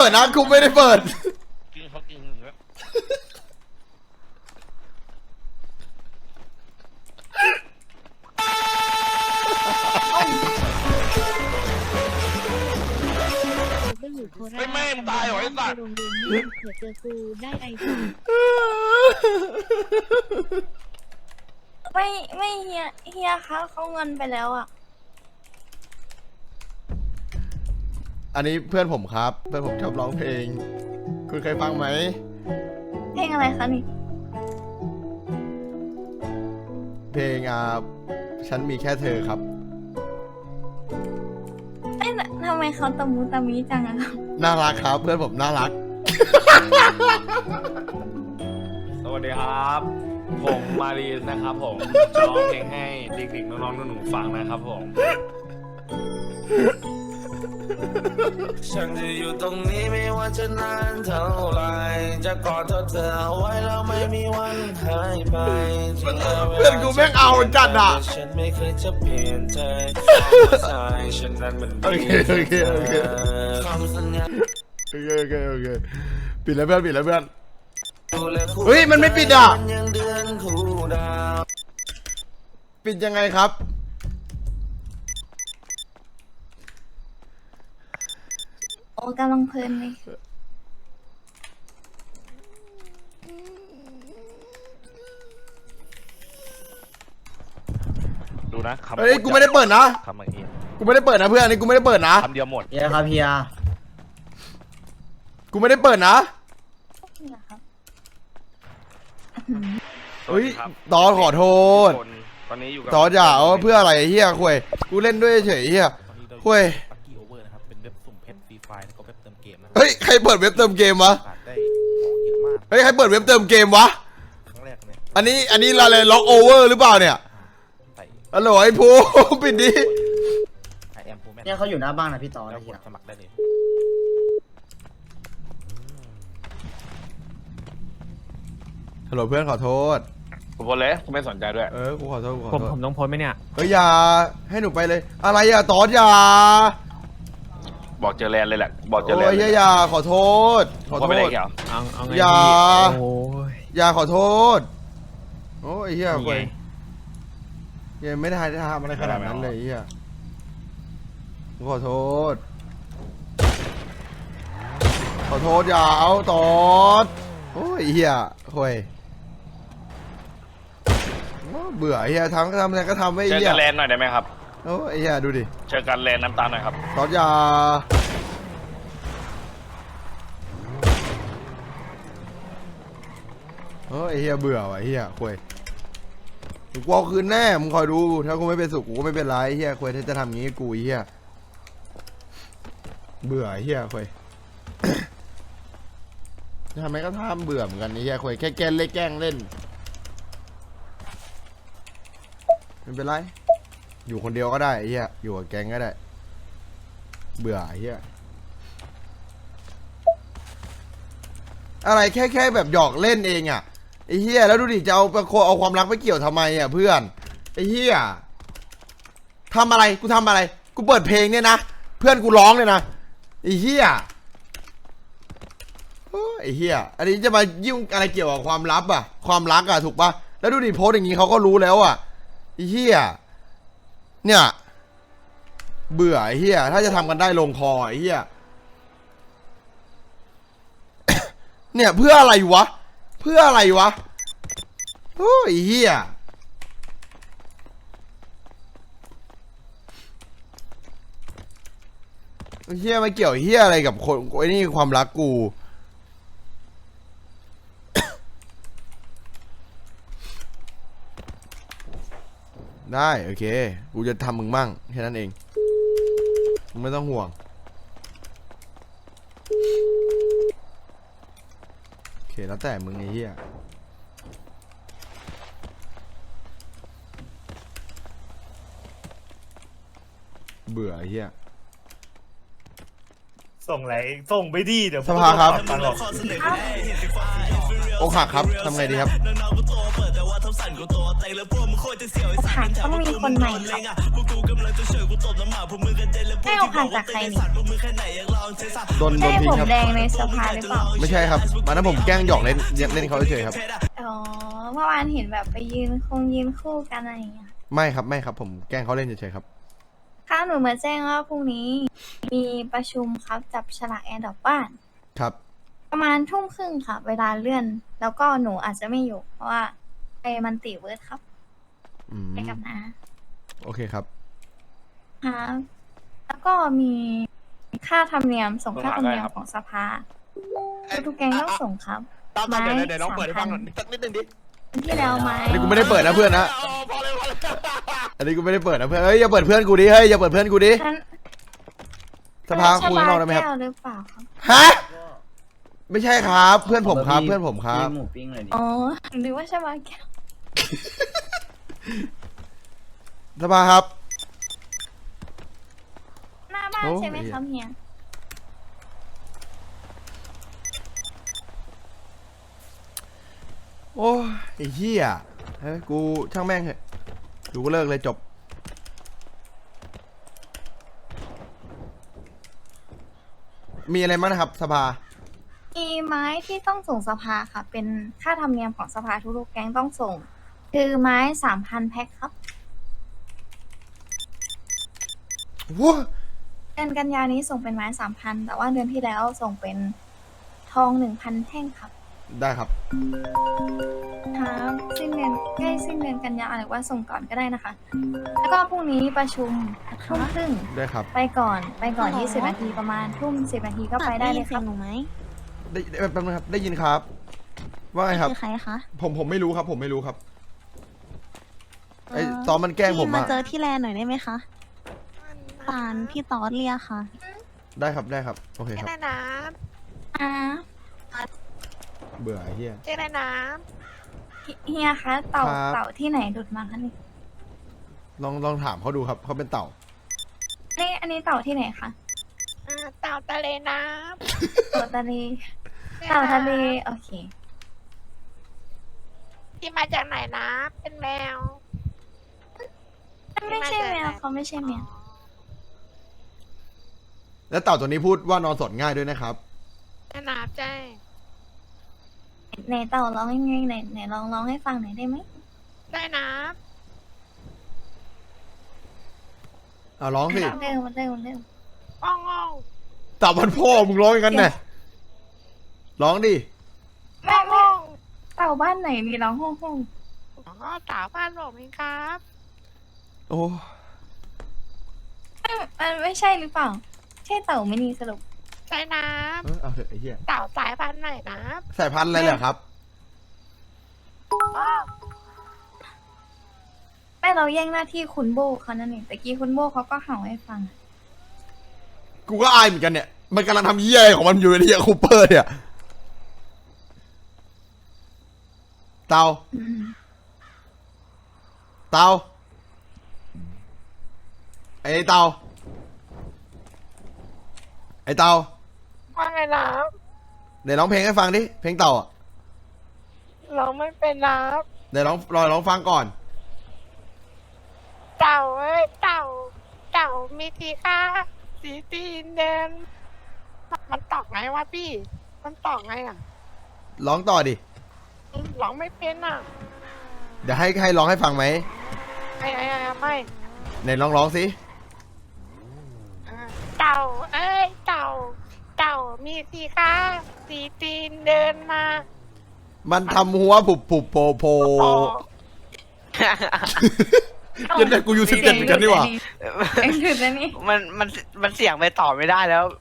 ดนะกูไม่ได้เปิดกินเขากินแล้วไม่แม่ตายหรอไอ้สัตว์โรงเรียนนี้เผื่อเจอกูได้ไอทีไม่เฮียคะเขาเงินไปแล้วอ่ะอันนี้เพื่อนผมครับเพื่อนผมชอบร้องเพลงคุณเคยฟังไหมเพลงอะไรคะนี่เพลงฉันมีแค่เธอครับเอ๊ะทำไมเขาตะมูตะมีจังอะครับน่ารักครับ เพื่อนผมน่ารักสวัสดีครับ ผมมารีนนะครับผมจะร้องเพลงให้เด็กๆน้องๆหนูๆฟังนะครับผมฉันจะอยู่ตรงนี้ไม่ว่าจะนานเท่าไรจะกอดเธอเอาไว้แล้วไม่มีวันหายไปเพื่อนกูแม่งเอาจัดอ่ะฉันไม่เคยจะเปลี่ยนใจใจฉันนั้นมันดีคำสัญญาโอเคปิดแล้วเพื่อนเฮ้ยมันไม่ปิดอ่ะปิดยังไงครับโอ้กำลังเพลินเลยดูนะคำเฮ้ยกูไม่ได้เปิดนะคำเมื่อกี้กูไม่ได้เปิดนะเพื่อนอันนี้กูไม่ได้เปิดนะคำเดียวหมดเฮียครับเฮียกูไม่ได้เปิดนะนี่เหรอครับเฮ้ยตอนขอโทษตอนนี้อยู่กับตอนอย่าเอาเพื่ออะไรเฮียคุยกูเล่นด้วยเฉยเฮียคุยปักกี้โอเวอร์นะครับเป็นเว็บสุ่มเพชรฟรีไฟล์แล้วก็เว็บเติมเกมนะเฮ้ยใครเปิดเว็บเติมเกมวะได้ของเยอะมากเฮ้ยใครเปิดเว็บเติมเกมวะครั้งแรกเนี่ยอันนี้อะไรล็อกโอเวอร์หรือเปล่าเนี่ยฮัลโหลไอ้ภูปิดดิไอแอมโฟร์แมนเนี่ยเขาอยู่หน้าบ้านนะพี่ต่อแล้วกเฮียดสมัครได้เลยฮัลโหลเพื่อนขอโทษผมบอกเลยผมไม่สนใจด้วยกูขอโทษผมต้องโพสไหมเนี่ยเฮ้ยอย่าให้หนูไปเลยอะไรอ่ะตอนอย่าบอกเจอแลนเลยแหละบอกเจอแลนโอ้ยอย่าขอโทษเอาไงอย่าขอโทษโอ้ยเฮียคุยยังไม่ได้ทำอะไรขนาดนั้นเลยเฮียขอโทษอย่าเอาตอนโอ้ยเฮียคุยเบื่อเฮียทำอะไรก็ทำไม่เฮียเจอกันแลนหน่อยได้ไหมครับโอ้ยเฮียดูดิเจอกันแลนน้ำตาลหน่อยครับตอนอย่าเฮ้ยเฮียเบื่อว่ะเฮียคุยกูเอาคืนแน่มึงคอยดูถ้ากูไม่เป็นสุขกูก็ไม่เป็นไรเฮียคุยถ้าจะทำงี้กูเฮียเบื่อเฮียคุยทำไมก็ทำเบื่อเหมือนกันเฮียคุยแค่แกล้งเล่นไม่เป็นไรอยู่คนเดียวก็ได้เฮียอยู่กับแก๊งก็ได้เบื่อเฮียอะไรแค่แบบหยอกเล่นเองอ่ะไอ้เฮียแล้วดูดิจะเอาความรักไปเกี่ยวทำไมอ่ะเพื่อนไอ้เฮียทำอะไรกูทำอะไรกูเปิดเพลงเนี่ยนะเพื่อนกูร้องเลยนะไอ้เฮียไอ้เฮียอันนี้จะมายุ่งอะไรเกี่ยวกับความลับอ่ะความรักอ่ะถูกปะแล้วดูดิโพสอย่างงี้เขาก็รู้แล้วอ่ะไอ้เฮียเนี่ยเบื่อไอ้เฮียถ้าจะทำกันได้ลงคอไอ้เฮียเนี่ยเพื่ออะไรวะโอ้ยเฮียเฮียไม่เกี่ยวเฮียอะไรกับคนไอ้นี่ความรักกูได้โอเคกูจะทำมึงมั่งแค่นั้นเองมึงไม่ต้องห่วงโอเคแล้วแต่มึงไอ้เหี้ยเบื่อไอ้เหี้ยส่งไหนส่งไปดีเดี๋ยวสภาครับอกหักครับทำไงดีครับอกหักต้องมีคนใหม่ครับให้อกหักจากใครนี่โดนใช่ทิ้ผงมครับแดงในสภาหรือเปล่าไม่ใช่ครับวันนั้นผมแกล้งหยอกเล่นเล่นเขาเฉยๆครับอ๋อเมื่อวานเห็นแบบไปยืนคู่กันอะไรอย่างเงี้ยไม่ครับไม่ครับ ผมแกล้งเขาเล่นเฉยๆครับค่ะหนูมาแจ้งว่าพรุ่งนี้มีประชุมครับจับฉลากแอร์ดอกบ้านครับประมาณทุ่มครึ่งค่ะ เวลาเลื่อน แล้วก็หนูอาจจะไม่อยู่ เพราะว่าไปมันติเวิร์ดครับอืมไปกับน้าโอเคครับครับแล้วก็มีค่าธรรมเนียมส่งค่าธรรมเนียมของสภาทุกแกงต้องส่งครับตามเดี๋ยวลองเปิดให้ฟังหน่อยสักนิดนึงดิที่แล้วไหมอันนี้กูไม่ได้เปิดนะเพื่อนนะพอเลยอันนี้กูไม่ได้เปิดนะเพื่อนเฮ้ยอย่าเปิดเพื่อนกูดิเฮ้ยอย่าเปิดเพื่อนกูดินั้นสภาคุยข้างนอกได้ไหมครับแก้วหรือเปล่าครับฮะไม่ใช่ครับ เพื่อนผมครับ เพื่อนผมครับหมูปิ้งเลยดิอ๋อหรือว่าชาบาแก้วสภาครับหน้าบ้านโอ้ใช่ไหมครับเฮียโอ้ยไอ้เหี้ยเฮ้ยกูช่างแม่งเถอะดูก็เลิกเลยจบ มีอะไรบ้างนะครับ สภามีไม้ที่ต้องส่งสภาค่ะ เป็นค่าธรรมเนียมของสภาทุกๆแก๊งต้องส่ง คือไม้ 3,000 แพ็คครับว้าเดือนกันยานี้ส่งเป็นไม้ 3,000 แต่ว่าเดือนที่แล้วส่งเป็นทอง 1,000 แท่งครับได้ครับครับสิ้นเดือนใกล้สิ้นเดือนกันยาหรือว่าส่งก่อนก็ได้นะคะ แล้วก็พรุ่งนี้ประชุมทุ่มครึ่งได้ครับไปก่อน20 นาทีประมาณทุ่ม10 นาทีก็ไปได้เลยครับหนูไหมได้แป๊บนึงครับ ได้ยินครับ ว่าไงครับคือใครคะผมไม่รู้ครับ ผมไม่รู้ครับ ไอ้ตอนมันแกล้งผมพี่มาอะเจอที่แลนด์หน่อยได้ไหมคะตานพี่ตอดเรียกค่ะได้ครับ ได้ครับ โอเคครับได้นะอ่าเบื่อไอ้เหี้ยเจ๊ได้นะเฮียคะเต่าครับเต่าที่ไหนหลุดมาคะนี่ลองถามเขาดูครับ เขาเป็นเต่าอันนี้เต่าที่ไหนคะเต่าทะเลน้เต่าทะเลำเต่าทะเลโอเคที่มาจากไหนนะ เป็นแมวไม่ใช่แมวเขาไม่ใช่แมวแล้วเต่าตัวนี้พูดว่านอนสดง่ายด้วยนะครับแม่น้ำใจไหนเต่าร้องยังไงไหนลองร้องให้ฟังหน่อยได้ไหมได้นะเอาร้องสิเร็วเร็วอ้องอ้องเต่ามันพ่อมึงร้องอย่างนั้นไงร้องดิไม่เต่าบ้านไหนมีร้องห้องอ๋อสาวบ้านผมเองครับโอ้มันไม่ใช่หรือเปล่า ใช่เต่าไม่นีสรุปได้น้เอาเถอะไอ้เหี้ยำเต่าสายพันธุ์ไหนนะสายพันธุ์อะไรเหรอครับอ้อแม่เราแย่งหน้าที่คุณโบเขานั่นเองแต่กี้คุณโบเขาก็เห่าให้ฟังกูก็อายเหมือนกันเนี่ย มันกำลังทำเหี้ยอะไรของมันอยู่ในเหี้ยคูเปอร์เนี่ย เตาอืมเตา ไอ้เตา ไอ้เตาว่าไงนะเดี๋ยวร้องเพลงให้ฟังดิ เพลงเต่าอ่ะเราไม่เป็นนะเดี๋ยวร้องฟังก่อนเต่าเอ้ยเต่ามีสีค่ะสีตีนเดินมันตอกไงวะพี่ มันตอกไงอ่ะร้องต่อดิร้องไม่เป็นอ่ะเดี๋ยวให้ร้องให้ฟังไหมไม่ไหนร้องสิเต่าเอ้ยเต่ามีสีค่ะสีตีนเดินมามันทำหัวผุบโผโผโอ้ยันแต่กูอยู่11เหมือนกันนี่หว่าเสียงหลุดแล้วนี่มันเสียงไปต่อไม่ได้แล้ว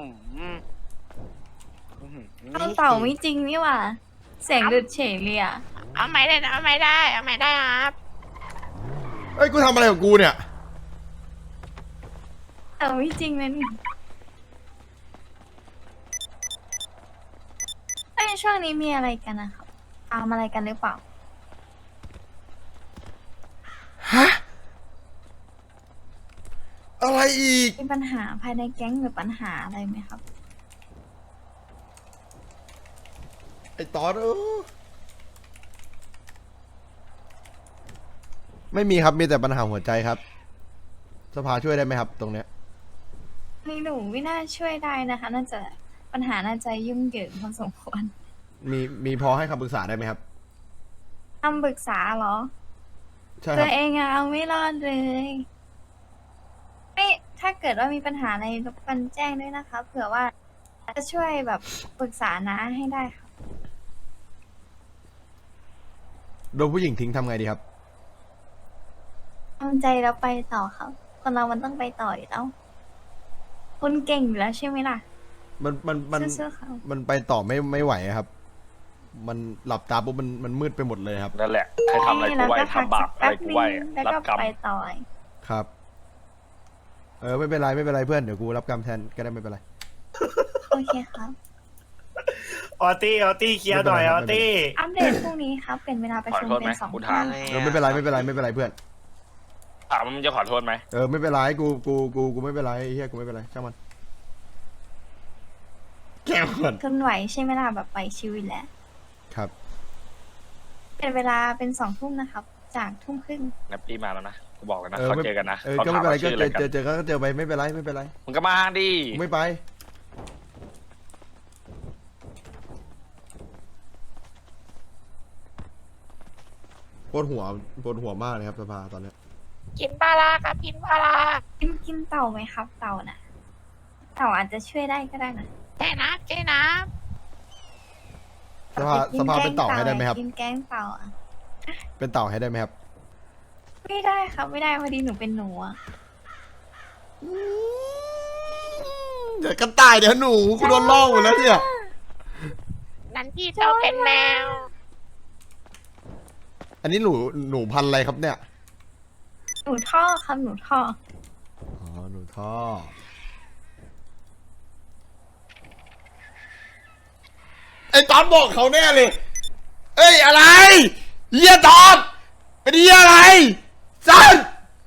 เต่าไม่จริงนี่หว่า เสียงหลุดเฉยเลยอ่ะเอาไม่ได้นะเอาไม่ได้ครับเอ้ย กูทำอะไรของกูเนี่ยเต่าไม่จริงนะนี่ไอ้ยช่วงนี้มีอะไรกันนะครับตามอะไรกันหรือเปล่าฮะ อะไรอีกมีปัญหาภายในแก๊งหรือปัญหาอะไรไหมครับไอ้ตอนไม่มีครับมีแต่ปัญหาหัวใจครับ สภาช่วยได้ไหมครับ ตรงเนี้ยนี่หนูไม่น่าช่วยได้นะคะ น่าจะปัญหาน่าจะยุ่งเหยิงพอสมควรมีพอให้คำปรึกษาได้ไหมครับคำปรึกษาเหรอใช่คตัรัวบเองอะเอาไม่รอดเลยไม่ถ้าเกิดว่ามีปัญหาอะไรรบกวนแจ้งด้วยนะคะ เผื่อว่าจะช่วยแบบปรึกษานะให้ได้ค่ะโดนผู้หญิงทิ้งทำไงดีครับทำใจแล้วไปต่อครับคนเรามันต้องไปต่ออยู่แล้วคุณเก่งอยู่แล้วใช่ไหมล่ะมันสู้ๆเขามันไปต่อไม่ไหวอะครับ มันหลับตาปุ๊บมันมืดไปหมดเลยครับนั่นแหละใครทำอะไรกูแล้วไหวก็พักทำบาสัปกอะไรแป๊บกูนึไหวงแล้วรับก็กรรมไปต่อครับ ไม่เป็นไรเพื่อนเดี๋ยวกูรับกรรมแทนก็ได้ไม่เป็นไรโอเคครับออตี้เคลียร์หน่อยออตี้อัปเดตพรุ่งนี้ครับ เป็นเวลาประขอชุมโทษเป็ไหมน2 กูทุ่ถามมไม่เป็นไรเพื่อนถามว่ามึงจะขอโทษไหมไม่เป็นไรกูไม่เป็นไรไอ้เฮียกูไม่เป็นไรช่างมันแก้วก่อนทนไหวใช่ไหมล่ะแบบไหวชิวอยู่แล้วครับเป็นเวลาเป็น2 ทุ่มนะครับ จาก1 ทุ่มครึ่งนับปีมาแล้วนะกูบอกเลยนะเขาเจอกันนะเขาก็ถาไม่มเป็นไรว่าก็ชื่ออะไรกันเจอก็เจอไปไม่เป็นไรมึงก็มาดิกูไม่ไปปวดหัวมากเลยครับสภาตอนเนี้ยกินปลาร้าครับกินปลาร้ากินเต่าไหมครับ เต่าน่ะ เต่าอาจจะช่วยได้ก็ได้นะเจ๊น้ำเจ๊น้สภาเป็นเต่าให้ได้ไหมครับกินแกงเต่าอะเป็นเต่าให้ได้ไหมครับไม่ได้ครับไม่ได้พอดีหนูเป็นหนูอะเดี๋ยวกันตายเดี๋ยวหนูกูโดนล่อหมดแล้วเนี่ยำนั้นพี่เจ้าเป็นแมวอันนี้หนูพันธุ์อะไรครับเนี่ยหนูท่อครับหนูท่ออ๋อหนูท่อไอ้ตอนบอกเขาแน่เลย เอ้ยอะไรเฮียตอนเป็นเฮียอะไรสัน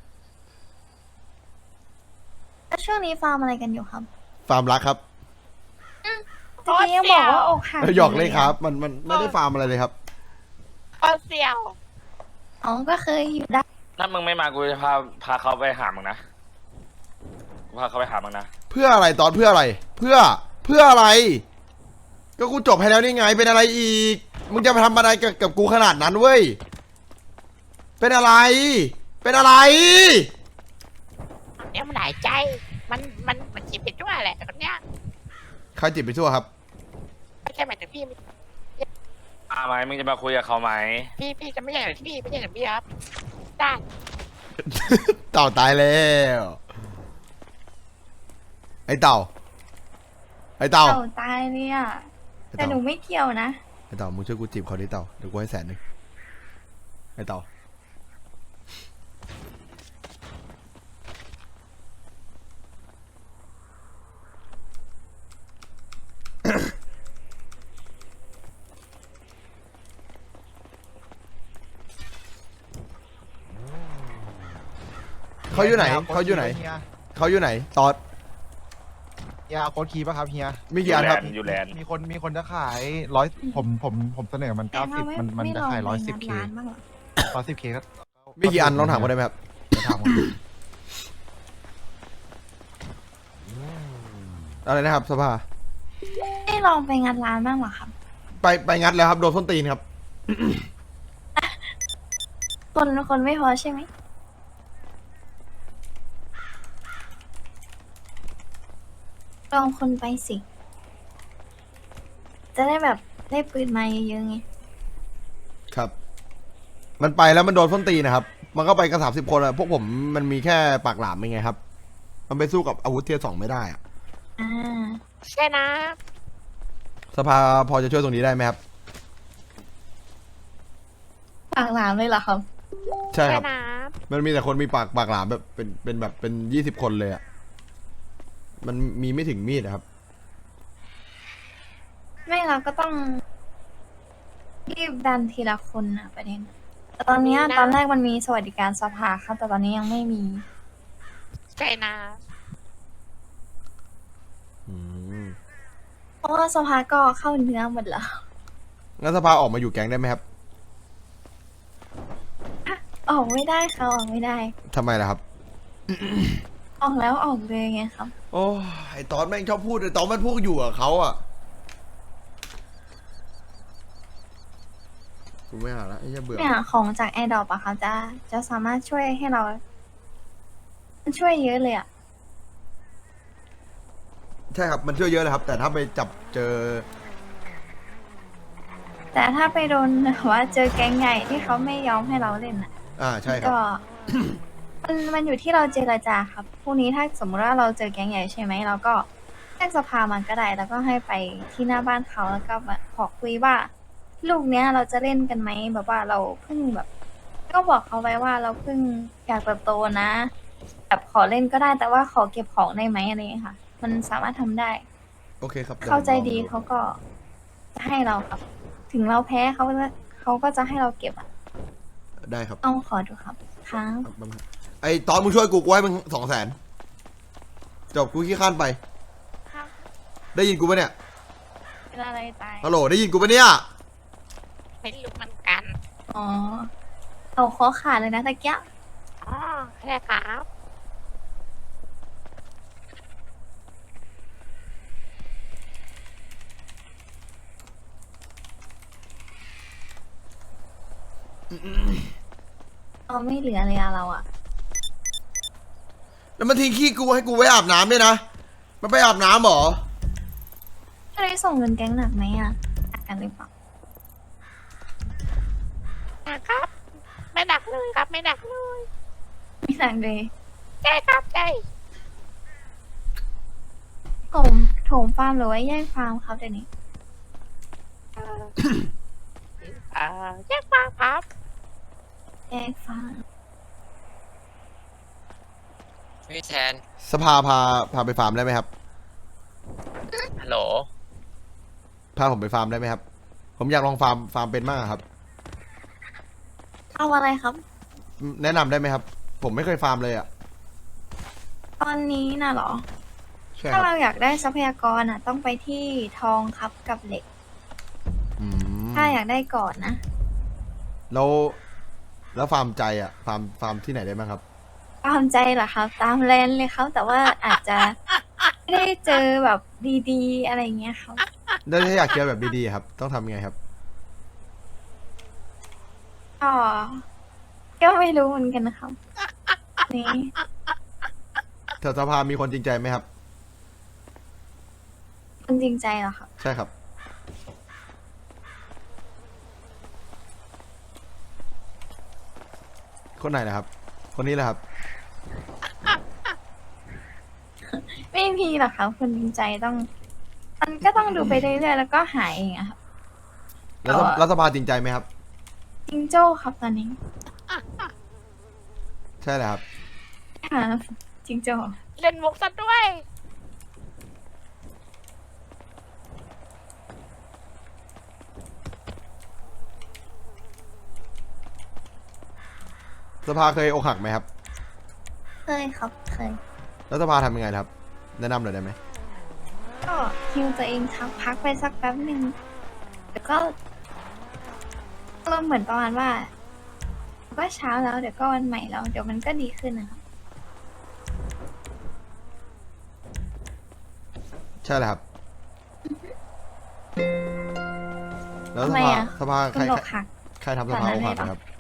แล้วช่วงนี้ฟาร์มอะไรกันอยู่ครับฟาร์มรักครับตะกี้ยังบอกว่าอกหักหยอกเลยครับ มันไม่ได้ฟาร์มอะไรเลยครับพอเสี่ยวอ๋อก็เคยอยู่ได้ถ้ามึงไม่มากูจะพาเขาไปหามึงนะกูพาเขาไปหามึงนะเพื่ออะไรตอนเพื่ออะไร เพื่ออะไร ก็กูจบให้แล้วนี่ไงเป็นอะไรอีก มึงจะไปทำอะไรกับกูขนาดนั้นเว้ยเป็นอะไรเนี่ยมันหลายใจ มันจิบไปทั่วแหละคนเนี้ยใครจิบไปทั่วครับไม่ใช่หมายถึงพี่มาไหมมึงจะมาคุยกับเขาไหมพี่จะไม่ใช่กับพี่ไม่ใช่กับพี่ครับได้เต่าตายแล้ว ไอ้เต่าเต่าตายเนี่ยแต่หนูไม่เกี่ยวนะไอ้เต่ามึงช่วยกูจีบเขาดิเต่าเดี๋ยวกูให้100,000ไอ้เต่า เขาอยู่ไหนตอดเฮียโค้ดคีย์ป่ะครับเฮียมีกี่อันครับอยู่แลนด์มีคนจะขายผมเสนอมันแต่ถ้า 90มันจะขายไม่ลองไป 110K ร้านบ้างเหรอ 110K ก็มีกี่อันลองถามเขาได้ไหมครับถามผมอะไรนะครับสภาไม่ลองไปงานร้านบ้างเหรอครับไปงัดแล้วครับโดนส้นตีนครับคนไม่พอใช่ไหมลองคนไปสิ จะได้แบบได้ปืนมาเยอะๆไงครับ มันไปแล้วมันโดนส้นตีนนะครับ มันก็ไปกัน30 คนอะพวกผมมันมีแค่ปากหลามยังไงครับ มันไปสู้กับอาวุธเทียร์ 2ไม่ได้อะอ่าใช่นะสภาพอจะช่วยตรงนี้ได้ไหมครับปากหลามเลยเหรอครับใช่ครับนะมันมีแต่คนมีปากหลามแบบเป็นแบบเป็น20 คนเลยอะมันมีไม่ถึงมีดอะครับไม่เราก็ต้องรีบดันทีละคนนะประเด็นแต่ตอนเนี้ยตอนแรกมันมีสวัสดิการสภาครับแต่ตอนนี้ยังไม่มีใช่นะอืมเพราะว่าสภาก็เข้าเนื้อหมดแล้วงั้นสภาออกมาอยู่แก๊งได้ไหมครับออกไม่ได้ค่ะออกไม่ได้ทำไมล่ะครับออกแล้วออกเลยไงครับโอ้ไอตอนแม่งชอบพูดไอตอนมันพูดอยู่กับเขาอ่ะกูไม่หาละไอ้เหี้ยเบื่อเนี่ยของจากแอร์ดรอปอะค่ะจะสามารถช่วยให้เรามันช่วยเยอะเลยอะใช่ครับมันช่วยเยอะเลยครับ แต่ถ้าไปจับเจอแต่ถ้าไปโดนแบบว่าเจอแก๊งใหญ่ที่เขาไม่ยอมให้เราเล่นอะใช่ครับก็ มันอยู่ที่เราเจรจาครับพรุ่งนี้ถ้าสมมุติว่าเราเจอแก๊งใหญ่ใช่ไหมเราก็แจ้งสภามันก็ได้แล้วก็ให้ไปที่หน้าบ้านเขาแล้วก็มาขอคุยว่า ลูกเนี้ยเราจะเล่นกันไหมแบบว่าเราเพิ่งแบบ ก็บอกเขาไว้ว่าเราเพิ่งอยากเติบโตนะแบบขอเล่นก็ได้แต่ว่าขอเก็บของได้ไหมอะไรอย่างเงี้ยค่ะ มันสามารถทำได้โอเคครับเข้าใจดีเขาก็จะให้เราครับ ถึงเราแพ้เขาก็จะให้เราเก็บอ่ะได้ครับเอาขอดูครับครับไอตอนมึงช่วยกูให้มึง200,000จบกูขี้ข้านไปครับได้ยินกูปะเนี่ยเป็นอะไรตายฮัลโหลได้ยินกูปะเนี่ยไม่รู้เหมือนกันอ๋อเอาคอขาดเลยนะตะเกียบอ๋อใช่ครับเอาไม่เหลือเลยอะเราอะแล้วมันทิ้งขี้กูให้กูไว้อาบน้ำด้วยนะ มันไปอาบน้ำเหรอไม่ได้ส่งเงินแก๊งหนักไหมอะหนักกันหรือเปล่าครับ ไม่ดักเลยครับ ไม่ดักเลยไม่หนักเลยใช่ครับใช่โถมฟาร์มหรือว่าแย่งฟาร์มครับเดี๋ยวนี้เอ่อแยกฟังครับแย่งฟาร์มพี่แทนสภาพาไปฟาร์มได้ไหมครับฮัลโหลพาผมไปฟาร์มได้ไหมครับ ผมอยากลองฟาร์มเป็นมากครับเอาอะไรครับแนะนำได้ไหมครับ ผมไม่เคยฟาร์มเลยอ่ะตอนนี้น่ะเหรอใช่คถ้ารับเราอยากได้ทรัพยากรอ่ะ ต้องไปที่ทองครับกับเหล็กอืมถ้าอยากได้ก่อนนะแล้วฟาร์มใจอ่ะฟาร์มที่ไหนได้บ้างครับตามใจเหรอครับ ตามแลนเลยครับ แต่ว่าอาจจะไม่ได้เจอแบบดีๆ อะไรเงี้ยครับแล้วถ้าอยากเจอแบบดีๆครับ ต้องทำยังไงครับก็ไม่รู้เหมือนกันนะครับ นี่แถวสภามีคนจริงใจไหมครับคุณจริงใจเหรอครับใช่ครับ คนไหนนะครับ คนนี้แหละครับไม่มีหรอกครับคนจริงใจต้องมันก็ต้องดูไปเรื่อยๆแล้วก็หาเองอะครับแล้วสภาจริงใจไหมครับจริงโจ้ครับตอนนี้ใช่แหละครับครับจริงโจ้เล่นมุกซะด้วยสภาเคยอกหักไหมครับเคยครับเคยแล้วสภาทำยังไงครับ แนะนำหน่อยได้ไหมก็ฮิวตัวเองครับพักไปสักแป๊บหนึ่งแล้วก็เหมือนประมาณว่าก็เช้าแล้วเดี๋ยวก็วันใหม่แล้วเดี๋ยวมันก็ดีขึ้นนะครับใช่แหละครับ แล้วทำไมอะสภาคุณบอกหักใครทำสภาอกหักนะครับ